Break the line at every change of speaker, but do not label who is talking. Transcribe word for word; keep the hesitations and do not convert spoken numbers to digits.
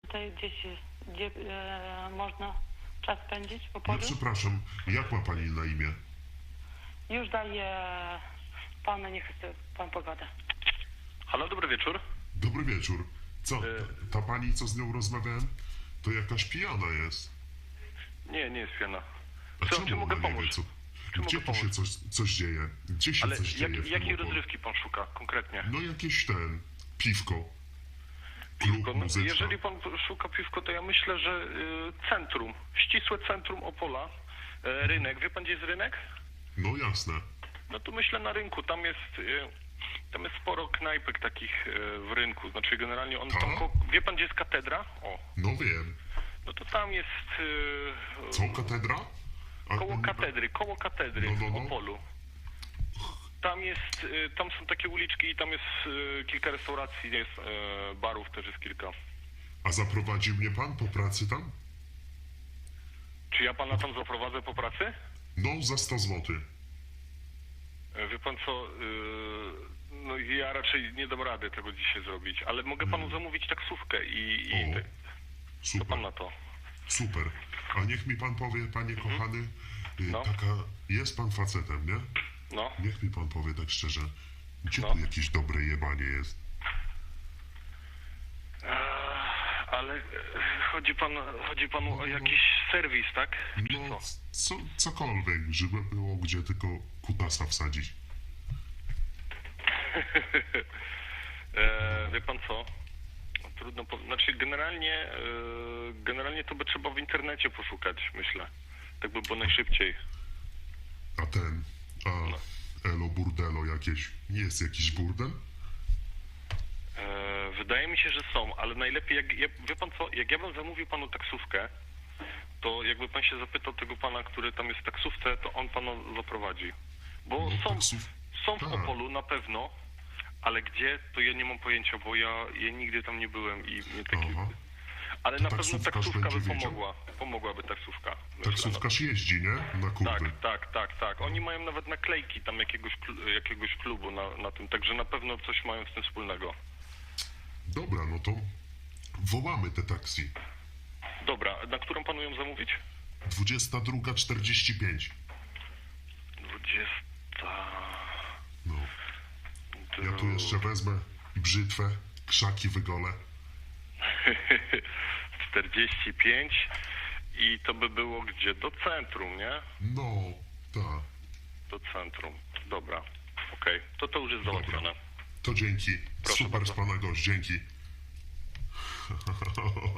tutaj gdzieś jest, gdzie e, można czas spędzić po
No
polu?
przepraszam, jak ma pani na imię?
Już daję panu, niech chce pan pogodę.
Halo, dobry wieczór.
Dobry wieczór. Co, ta, ta pani, co z nią rozmawiałem, to jakaś pijana jest.
Nie, nie jest pijana.
A
Co,
czemu
czy mogę
ona nie wie,
pomóc?
co,
Czy
gdzie
mogę
tu się
pomóc?
coś, coś dzieje? Gdzie się
Ale
coś
jak,
dzieje w tym
jakiej
Opolu?
rozrywki pan szuka konkretnie?
No jakieś ten, piwko. Klub,
Piwko. No,
muzyczka.
jeżeli pan szuka piwko, to ja myślę, że y, centrum, ścisłe centrum Opola, y, rynek. Wie pan, gdzie jest rynek?
No jasne.
No to myślę na rynku. Tam jest, y, tam jest sporo knajpek takich y, w rynku. Znaczy generalnie on
Tak?
tam, ko- wie pan, gdzie jest katedra? O,
No wiem.
no to tam jest y,
Co, katedra? A,
koło
nie-
katedry, koło katedry
No, no,
w
no.
Opolu. Tam jest, y, tam są takie uliczki i tam jest y, kilka restauracji, jest y, barów też jest kilka.
A zaprowadził mnie pan po pracy tam?
Czy ja pana tam zaprowadzę po pracy?
No, za sto złotych.
Y, Wie pan co, y, no ja raczej nie dam rady tego dzisiaj zrobić, ale mogę panu zamówić taksówkę i, i
O,
te, co
super.
pan na to?
Super. A niech mi pan powie, panie kochany, y,
No.
taka, jest pan facetem, nie?
No,
Niech mi pan powie tak szczerze, gdzie
No.
tu jakieś dobre jebanie jest?
Eee, ale e, chodzi pan, chodzi panu o jakiś serwis, tak? Czy
No,
co?
co, cokolwiek, żeby było gdzie tylko kutasa wsadzić.
E, wie pan co? Trudno powiedzieć. Znaczy generalnie, e, generalnie to by trzeba w internecie poszukać, myślę. Tak by było najszybciej.
A ten, a
No.
elo burdelo jakieś, nie jest jakiś burdel?
E, wydaje mi się, że są, ale najlepiej, jak, ja, wie pan co, jak ja bym zamówił panu taksówkę, to jakby pan się zapytał tego pana, który tam jest w taksówce, to on pana zaprowadzi. Bo
No,
są,
taksów-
są w
tak.
Opolu na pewno, ale gdzie, to ja nie mam pojęcia, bo ja, ja nigdy tam nie byłem i nie taki...
Aha.
Ale
To
na pewno
taksówkarz
taksówka by
będzie wiedział?
pomogła. Pomogłaby taksówka. myślę,
Taksówkarz jeździ, nie? Na
no.
kurwy.
Tak, tak, tak, tak. Oni mają nawet naklejki tam jakiegoś, klu- jakiegoś klubu na, na tym, także na pewno coś mają z tym wspólnego.
Dobra, no to wołamy te taksi.
Dobra, na którą panu ją zamówić?
dwudziesta druga czterdzieści pięć.
Dwudziesta...
No. Ja tu jeszcze wezmę brzytwę, krzaki wygolę.
czterdzieści pięć i to by było gdzie? Do centrum, nie?
No, tak.
Do centrum. Dobra, okej. To to już jest załatwione.
To dzięki.
Proszę
Super z
bardzo.
pana gość, dzięki.